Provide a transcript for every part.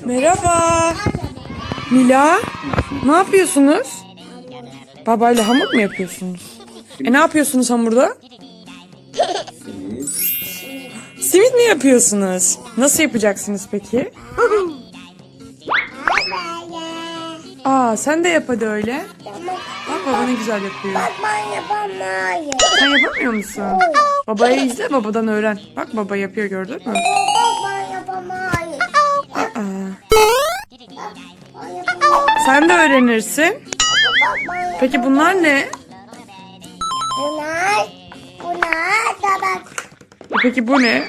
Merhaba. Mila, ne yapıyorsunuz? Babayla hamur mu yapıyorsunuz? Ne yapıyorsunuz hamurda? Simit mi yapıyorsunuz? Nasıl yapacaksınız peki? Aa, sen de yap hadi öyle. Bak baba ne güzel yapıyor. Ben yapamayım. Sen yapamıyor musun? Babayı izle, babadan öğren. Bak baba yapıyor, gördün mü? Ben yapamayım. Aa, Ben yapamayım. sen de öğrenirsin. Peki bunlar ne? Bunlar tabak. Peki bu ne?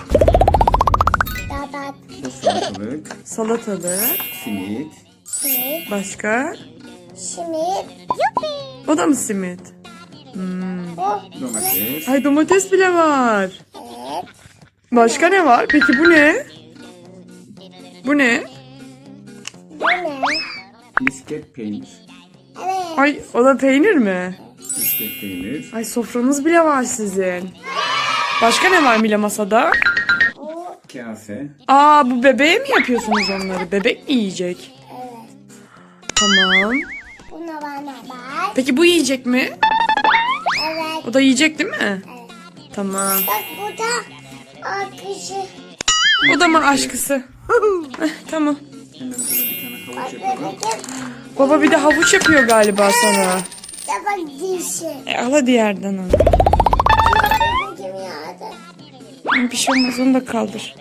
Tabak. Salatalık, Salatalık. simit, Simit. Başka? Simit. O da mı simit? Bu. domates, Ay, domates bile var. Evet. Başka ne var? Peki bu ne? Bu ne? Bu ne? misket peynir, Evet. Ay, o da peynir mi? misket peynir, Ay, sofranız bile var sizin. Başka ne var Mila masada? Bu. kase, Aa, bu bebeğe mi yapıyorsunuz onları? Bebek mi yiyecek? Evet. Tamam. Buna bana bak. Peki bu yiyecek mi? Evet. O da yiyecek değil mi? Evet. Tamam. Bak bu da akışı. O da mı aşkısı? Tamam. hemen burada bir tane havuç Bak yapalım. bebeğim. Baba bir de havuç yapıyor galiba sana. Tabak dişi. Al hadi yerden al. Bebeğim yağdı. Bir şey olmaz, onu da kaldır.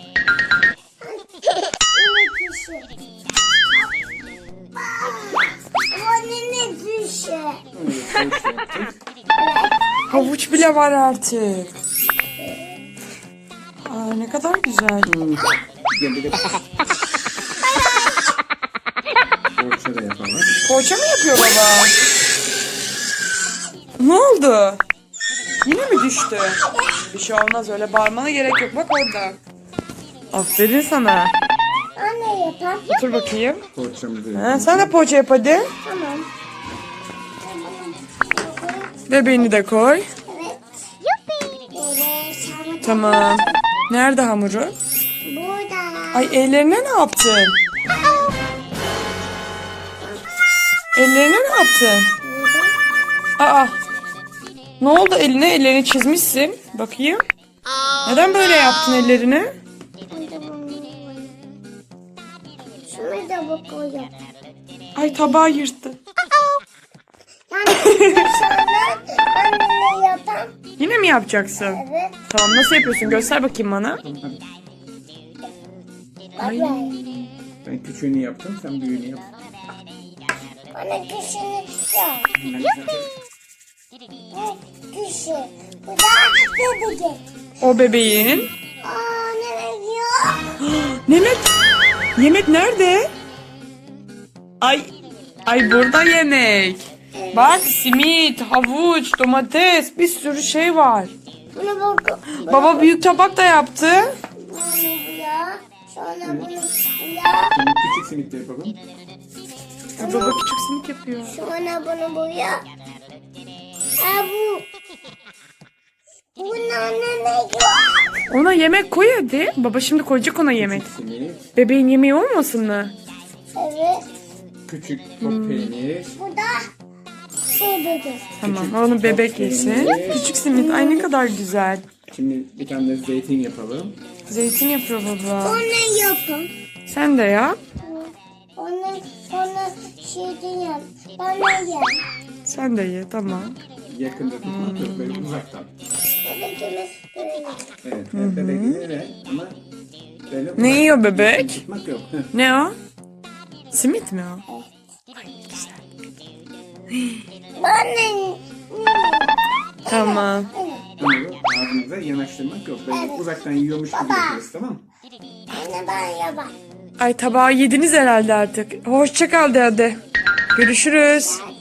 Yine dişi. Bu ne dişi? Havuç yaptık. Havuç bile var artık. Aa, ne kadar güzel. Gel bir de poğaça da yapalım. Poğaça mı yapıyor baba? Ne oldu? Yine mi düştü? Bir şey olmaz, öyle bağırmana gerek yok. Bak orada. Aferin sana. Anne yapar. Otur bakayım. Poğaçamızı Ha, yapalım. sen de poğaça yap hadi. Tamam. Bebeğini de koy. Evet. Böyle sarma. Tamam. Nerede hamuru? Burada. Ay, ellerine ne yaptın? Ellerine ne yaptın? Burada. Aa. Ne oldu eline? Ellerini çizmişsin. Bakayım. Neden böyle yaptın ellerini? Ben de bunu koyayım. Şunu da bu koyayım. Ay, tabağı yırttı. Yani dışarıdan annemle yapan. Yine mi yapacaksın? Evet. Tamam, nasıl yapıyorsun? Göster bakayım bana. Hadi. Bak Ay. böyle. Ben küçüğünü yaptım, sen büyüğünü yap. Bana kışını yok. Hemen zaten Bu kışı. Bu da bebek. O bebeğin. Aa nereye gidiyor? Yemek. Yemek nerede? Ay. Ay, burada yemek. Bak, simit, havuç, domates, bir sürü şey var. Bunu bak. Baba büyük tabak da yaptı. Bunu buraya. Sonra bunu buraya. şimdi küçük simit de yapalım. Baba küçük simit yapıyor. Sonra bunu buraya. Aa bu. Bunun anne yok. Ona yemek koy hadi. Baba şimdi koyacak ona yemek. Küçük simit, Bebeğin yemeği olmasın mı? Evet. küçük top peynir, Bu da bebek. Tamam, onu bebek yesin. Küçük simit. Ay, ne kadar güzel. şimdi bir tane de zeytin yapalım. Zeytin yapıyor baba. Onu yapın. Sen de yap. Onu şeyden yap. Bana yap. Sen de ye, tamam. Yakında tutmak yok, böyle uzaktan. Bebekimiz böyle. Evet, bebek öyle ama böyle Ne uzaktan yiyor bebek? tutmak yok. Ne o? Simit mi o? Bana Tamam. Ama yok, ağzınıza yanaştırmak yok. Böyle uzaktan yiyormuş gibi yapıyoruz, tamam mı? Anne ben yapar. Ay, tabağı yediniz herhalde artık. Hoşça kal de hadi. Görüşürüz.